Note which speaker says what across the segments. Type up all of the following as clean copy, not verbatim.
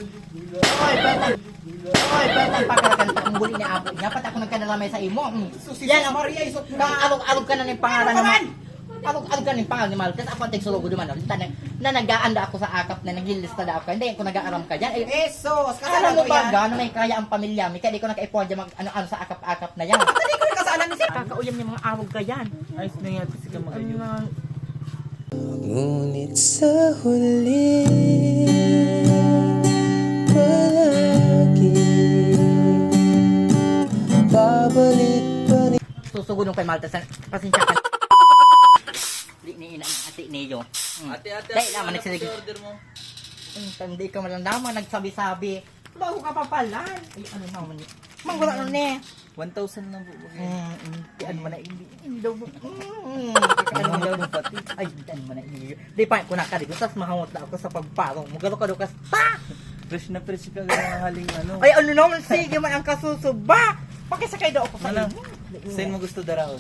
Speaker 1: Betan pagkakanta ang buli ni Apo niya. Pat ako nagkanalamay sa imo. Yan, Maria, isot kang alog ka na ng pangalan naman. Alog ka ng pangalan ni Maltes. Ako ang tegsulugo naman. Na nag-aanda ako sa akap na naglilista na ako. Hindi ko nag-aaram ka dyan.
Speaker 2: Esos,
Speaker 1: Alam
Speaker 2: kasalanan
Speaker 1: mo
Speaker 2: ko
Speaker 1: ba
Speaker 2: yan.
Speaker 1: gano'n may kaya ang pamilya mi? Kaya di ko nag-ipon dyan ano sa akap-akap na yan.
Speaker 2: Hindi ko nakasalan ni sir.
Speaker 1: Kakauyam niya mga awag ka yan.
Speaker 3: Ayos na nga, kasi ka magayon.
Speaker 4: Ngunit sa huli palagi babalik-balik.
Speaker 1: Susugod kay Maltes. Pasensya ka. Di ni ina ate niyo.
Speaker 3: Ate,
Speaker 1: Dahil naman nagsilig.
Speaker 3: order mo.
Speaker 1: Hindi ka malandaman, nagsabi-sabi. Bago ka pa pala. Ay, ano naman yun? Manggula nun eh.
Speaker 3: 1,000 lang po.
Speaker 1: Ano man na hindi. Daw mo. Ano daw mo pati. Ay, ano man na hindi. Di pa ko nakaligo. Tapos mahamot na ako sa pagparong. Mugalo ka doon pa!
Speaker 3: Fresh na fresh ka ng haling ano.
Speaker 1: Ay, ano naman, sige man ang kasusuba. Pakisakay daw ako sa
Speaker 3: Ano?
Speaker 1: inyo.
Speaker 3: Saan mo gusto daraon?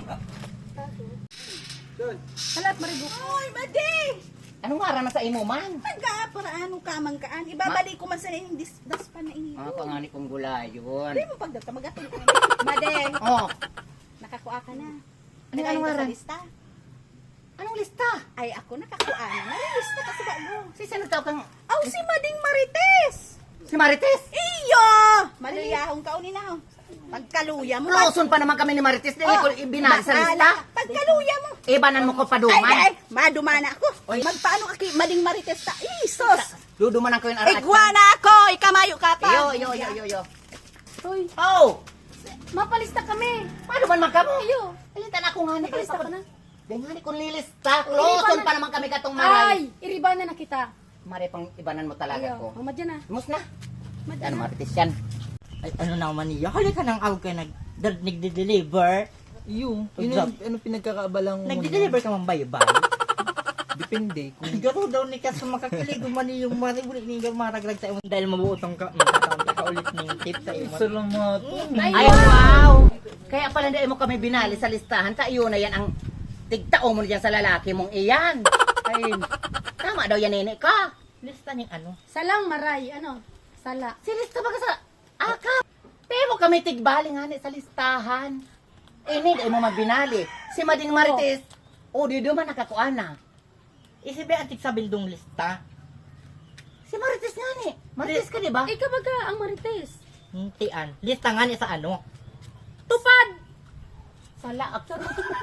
Speaker 5: Halat maribuk. Oy, madi!
Speaker 1: Anong wara na sa imo man?
Speaker 5: Nag-aaparaano ka man kaan. Ibabalik ko man sa inyong daspan na inyo.
Speaker 1: Pangani kong gulay yun.
Speaker 5: Hindi mo pagdata magatong ka. Madi,
Speaker 1: Oh,
Speaker 5: nakakuha ka na.
Speaker 1: Anong
Speaker 5: Nakain ka
Speaker 1: aran?
Speaker 5: sa lista?
Speaker 1: anong lista?
Speaker 5: Ay, ako nakakuha na. Nalilista ka sa bago.
Speaker 1: Si sino tawag kang...
Speaker 5: Aw, si Mading Marites!
Speaker 1: Si Marites?
Speaker 5: Iyo! Maliliyahong kaunin na ho. Pagkaluya mo.
Speaker 1: Closon pa naman kami ni Marites. Dili ko ibinali sa lista.
Speaker 5: Pagkaluya mo.
Speaker 1: Ibanan mo ko
Speaker 5: Ay,
Speaker 1: paduman.
Speaker 5: ay, madumana ako.
Speaker 1: Oy.
Speaker 5: Magpaano ka kay Mading Marites ta? Isos!
Speaker 1: Duduman ko yung araat.
Speaker 5: Igwana ako! Ikamayo ka pa.
Speaker 1: Yo.
Speaker 5: Hoy,
Speaker 1: Oh!
Speaker 5: mapalista kami.
Speaker 1: Paano man magkamo?
Speaker 5: Ayo.
Speaker 1: Alitan ako nga ni
Speaker 5: Mapalista ka na.
Speaker 1: Ganyan kung lilista. Closon pa naman kami katong
Speaker 5: Ay,
Speaker 1: maray.
Speaker 5: iribanan na kita.
Speaker 1: Mare pang ibanan mo talaga ko.
Speaker 5: Mamad dyan na.
Speaker 1: Mus na.
Speaker 5: Mamad
Speaker 1: Ano
Speaker 5: na.
Speaker 1: Marites yan? Ay, ano naman niya? Hali ka nang awag ka nag-deliver.
Speaker 3: Yun
Speaker 1: Good
Speaker 3: ang ano pinagkakaabalang mo.
Speaker 1: Nag-deliver ka man bay-bay.
Speaker 3: Depende. Kung
Speaker 1: Garo daw ni kas makakilig man yung mari ulit ni maragrag sa imo dahil mabuotong ka ka ulit ning tip sa imo.
Speaker 3: isa lang mga to.
Speaker 1: Ay wow. Kaya pala hindi mo kami binali sa listahan ka iyon na yan ang tigtao mo diyan sa lalaki mong iyan. Ay tama daw yan nene ka. Lista ning ano?
Speaker 5: Salang maray, ano? Sala.
Speaker 1: Si lista ba ka sa akap? Pero kami tigbali nga ni sa listahan. Ini di mo mabinali. Si Mading Marites, o di man nakakuan na. Isibi antik sa bildong lista. Si Marites nga ni. Marites ka di ba?
Speaker 5: Ikaw baga ang marites.
Speaker 1: Hintian. Lista nga ni sa ano?
Speaker 5: Tupad!
Speaker 1: Sala ako.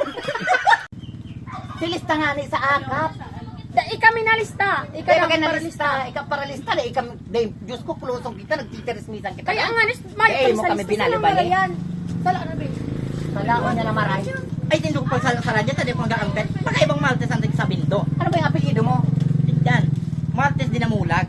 Speaker 1: Si lista nga ni sa akap.
Speaker 5: Da, ikami na lista. Ikaw
Speaker 1: Kaya
Speaker 5: ang
Speaker 1: ka na
Speaker 5: paralista.
Speaker 1: lista. Ikaw para lista na. Ikaw, Diyos ko, pulusong kita. Nagtitirismisan kita.
Speaker 5: Kaya nga, may
Speaker 1: Kaya mo kami binali-bali.
Speaker 5: Sala na ba?
Speaker 1: Salaon niya na maray. Ay, tindog pag sa radyo, tadi ko mag-aangkat. Baka ibang Maltes ang sa bindo. Ano ba yung apelido mo? Indian. Maltes dinamulag.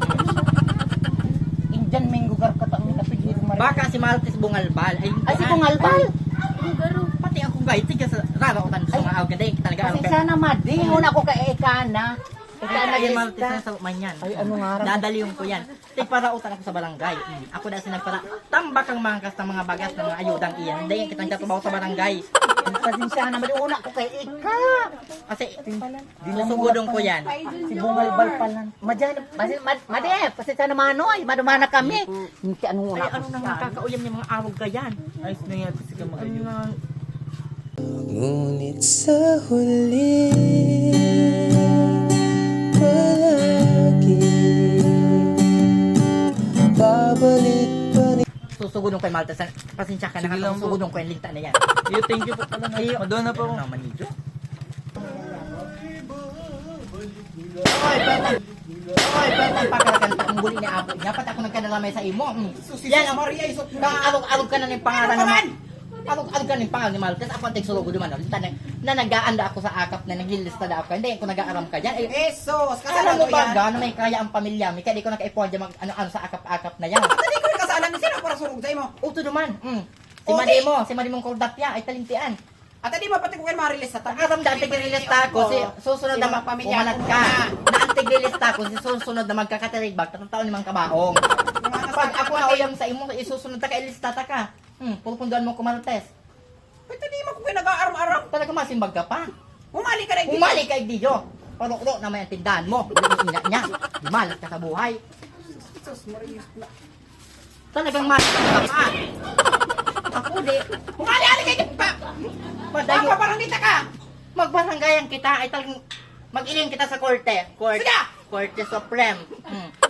Speaker 1: Indian Mengugar ka ang apelido mo. Baka si Maltes Bungalbal. Ay si Bungalbal? Pati ako guys, tiga sa rarautan sa mga awag. Kasi talaga ang sana madi. Una ko kay Ekana. Ekana yung Maltes na sa manyan. Ay, ano nga? Dadaliyon ko yan. Tay parautan ako sa barangay. Ako dahil sinagpara. Tambak ang mangkas ng mga bagas ng mga ayudang iyan. Dahil kitang katubaw sa barangay. Pasensya naman. Una ko kay Eka. Kasi sinusugudong ko yan. Si Bungalbal pala. Madyan. Madi, pasensya naman oy. Madumana kami. Hindi anong una. Ay, ano nang nakakauyam niya mga awag ka yan?
Speaker 3: ayos na nga, kasi ka magayon.
Speaker 4: Ngunit sa huli palagi babalik-balik.
Speaker 1: Susugudong kay Maltes. Pasensya ka
Speaker 3: Sige
Speaker 1: na.
Speaker 3: lang po.
Speaker 1: Susugudong ko yung linta na yan.
Speaker 3: Yo, thank you po pala na. Madonna po.
Speaker 1: Ano naman nito? Betan pagkakanta ang buli ni Apo niya. Pat ako nagkanalamay sa imo. Yan, Maria, isot kang alog ka na ng pangalan naman. Alog ka ng pangalan ni Maltes. Ako ang tegsulugo naman. Na nag-aanda ako sa akap na naglilista na ako. Hindi ko nag-aaram ka dyan.
Speaker 2: Esos,
Speaker 1: Alam
Speaker 2: kasalanan
Speaker 1: mo
Speaker 2: ko
Speaker 1: ba
Speaker 2: yan.
Speaker 1: gano'n may kaya ang pamilya mi? Kaya di ko nag-ipon dyan ano sa akap-akap na yan.
Speaker 2: Hindi ko nakasalan ni sir. Para surug sa imo.
Speaker 1: Uto naman. Si
Speaker 2: Okay.
Speaker 1: Madi mong kordapya ay talintian.
Speaker 2: At hindi ba pati ko kayo marilis sa
Speaker 1: Aram dahil tigililista ko si susunod na
Speaker 2: Sino ang pamilya
Speaker 1: pumalat
Speaker 2: ko
Speaker 1: ka.
Speaker 2: na?
Speaker 1: Na ang tigililista ko si susunod na magkakatirigbag, tatang taon limang kabaong. Pag ako na uyang sa imo, isusunod ta ka ilista ta ka. Pupunduan mo kumaltes.
Speaker 2: Pwede di mo ko kayo nag-aaram-aram.
Speaker 1: Talaga masimbag ka pa.
Speaker 2: Umali ka na yung
Speaker 1: Umali kay Diyo. Parok-rok naman ang tindahan mo. Ina niya. Di malas ka sa buhay.
Speaker 2: Sus, Marius na.
Speaker 1: Talagang mahal ka pa. Ako di.
Speaker 2: Umali-ali kayo pa!
Speaker 1: Padayo.
Speaker 2: Papa, parang dita ka!
Speaker 1: Magbaranggayan kita ay talagang mag-iling kita sa korte.
Speaker 2: Sige!
Speaker 1: Korte Supreme.